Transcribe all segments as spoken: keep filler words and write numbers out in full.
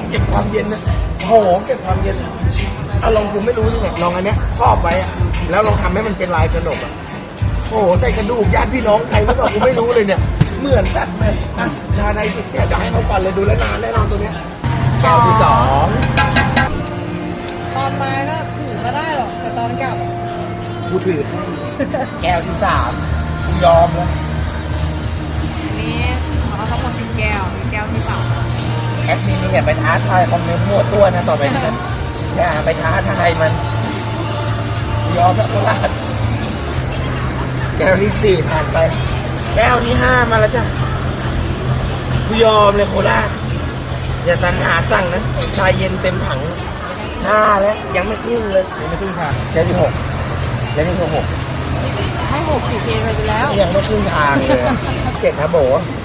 เก็บความเย็นนะโอ้โหเก็บความเย็นอารมณ์กูไม่รู้นี่ไงลองอันเนี้ยครอบไว้อะแล้วลองทำให้มันเป็นลายกระหนกอะโอ้โหใส่กระดูกญาติพี่น้องใครไม่บอกกูไม่รู้เลยเนี่ยเหมือนสัตว์เลยอ่ะชาไทยสุดแก้วเดี๋ยวให้เขาก่อนเลยดูแลวนานแน่นอนตัวเนี้ยแก้วที่สองตอนมาก็ถือมาได้หรอกแต่ตอนกลับกูถือแก้วที่สามกูยอมแล้วอันนี้เราทั้งหมดสิบแก้วมีแก้วที่สามแอดมินนี่อย่าไปท้าทายคอมเมนต์มั่วตัวนะต่อไปนี้อย่าไปท้าทายมันยอมแล้วโคราชแก้วที่สี่ผ่านไปแก้วที่ห้ามาแล้วจ้ะกูยอมเลยโคราชอย่าตันหาสั่งนะชายเย็นเต็มถังห้าแล้วยังไม่ครึ่งเลยยังไม่ครึ่งทางแก้วที่หกแก้วที่หกให้หกสิบเทไปแล้วยังไม่ครึ่งทางเลยเจ็ดนะโบ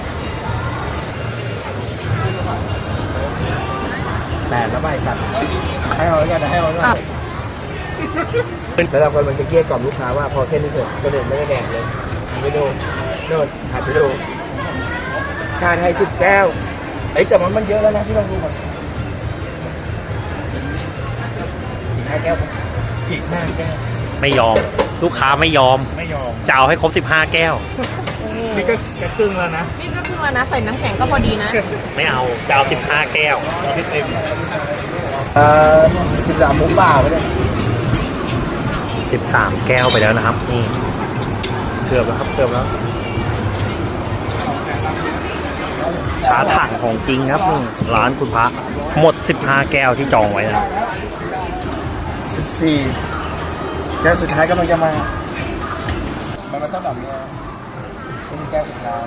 แปดแล้วใบสัตว์ให้เอาแล้วกันให้เอาแล้วกันแล้วเรากำลังจะเกลี้ยกล่อมลูกค้าว่าพอแค่นี้เถอะกระโดดไม่ได้แดงเลยไปดูโดดหัดไปดูชาไทยสิบแก้วไอ้แต่มันมันเยอะแล้วนะพี่ลองดูก่อนอีกห้าแก้วอีกห้าแก้วไม่ยอมลูกค้าไม่ยอมไม่ยอมจะเอาให้ครบสิบห้าแก้วนี่ก็จะครึ่งแล้วนะนี่ก็คือมานะใส่น้ำแข็งก็พอดีนะไม่เอาจะเอาสิบห้าแก้วที่เต็มเอ่อสิบสามหมูป่าไปเลยสิบสามแก้วไปแล้วนะครับนี่เกือบแล้วครับเกือบแล้วชาถังของจริงครับนี่ร้านคุณพระหมดสิบห้าแก้วที่จองไว้นะสิบสี่แก้วสุดท้ายก็มันจะมา มันมันต้องแบบนี้เป็นแก้วสุดท้าย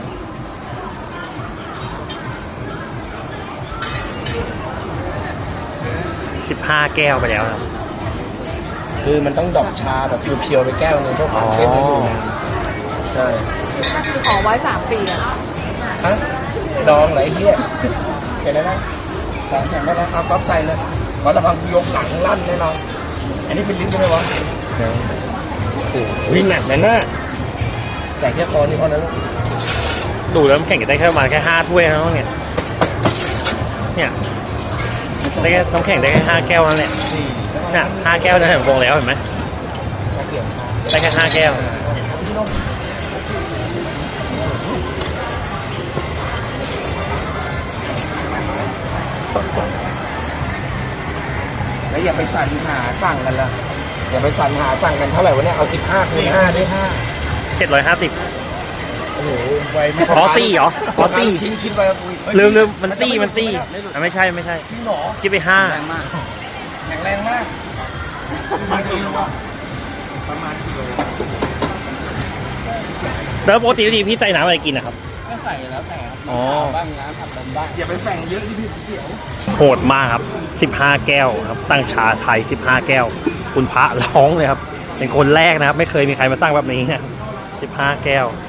สิบห้าแก้วไปแล้วครับคือมันต้องดอกชาแบบเพียวๆไปแก้วนึงเพื่อความเข้มให้อยู่นานใช่ก็คือขอไว้สามปีอะฮะดองไหลเหี้ยเสร็จแล้วนะสามแข่งได้แล้วเอาก๊อฟใส่เลยขอระวังยกหลังลั่นแน่นอนอันนี้เป็นลิ้นใช่ไหมวะโอ้โหวิ่งหนักแน่น่ะใส่แค่คอนี่พอนะลูกดูแล้วน้ำแข็งจะได้แค่ประมาณแค่ห้าถ้วยเท่านั้นเนี่ยเนี่ยได้แค่น้ำแข็งได้แค่ห้าแก้วนั่นแหละสี่เนี่ยห้าแก้วนั่นแหละวงแล้วเห็นไหมชาเขียวได้แค่ห้าแก้วแล้วอย่าไปสั่นหาสั่งกันละอย่าไปสั่นหาสั่งกันเท่าไหร่วะเนี่ยเอาสิบห้าคูณห้าได้ห้าเจ็ดร้อยห้าสิบโอ้โหไวไม่อ๋อสี่เหรออ๋อสี่ชิ้นคิดไปกับกูอีกลืมลืมมันตี้มันตี้อ่ะไม่ใช่ไม่ใช่พี่หมอคิดไปห้าแรงมากแข็งแรงมากประมาณกิโลประมาณกิโลแล้วปกติดีพี่ใส่น้ำอะไรกินนะครับก็ใส่แล้วแต่ครับอ๋อบ้างน้ำผัดลมบ้างอย่าไปแฝงเยอะที่พี่เขียวโหดมากครับสิบห้าแก้วครับตั้งชาไทยสิบห้าแก้ว คุณพระร้องเลยครับเป็นคนแรกนะครับ ไม่เคยมีใครมาสร้างแบบนี้นะครับสิบห้าแก้ว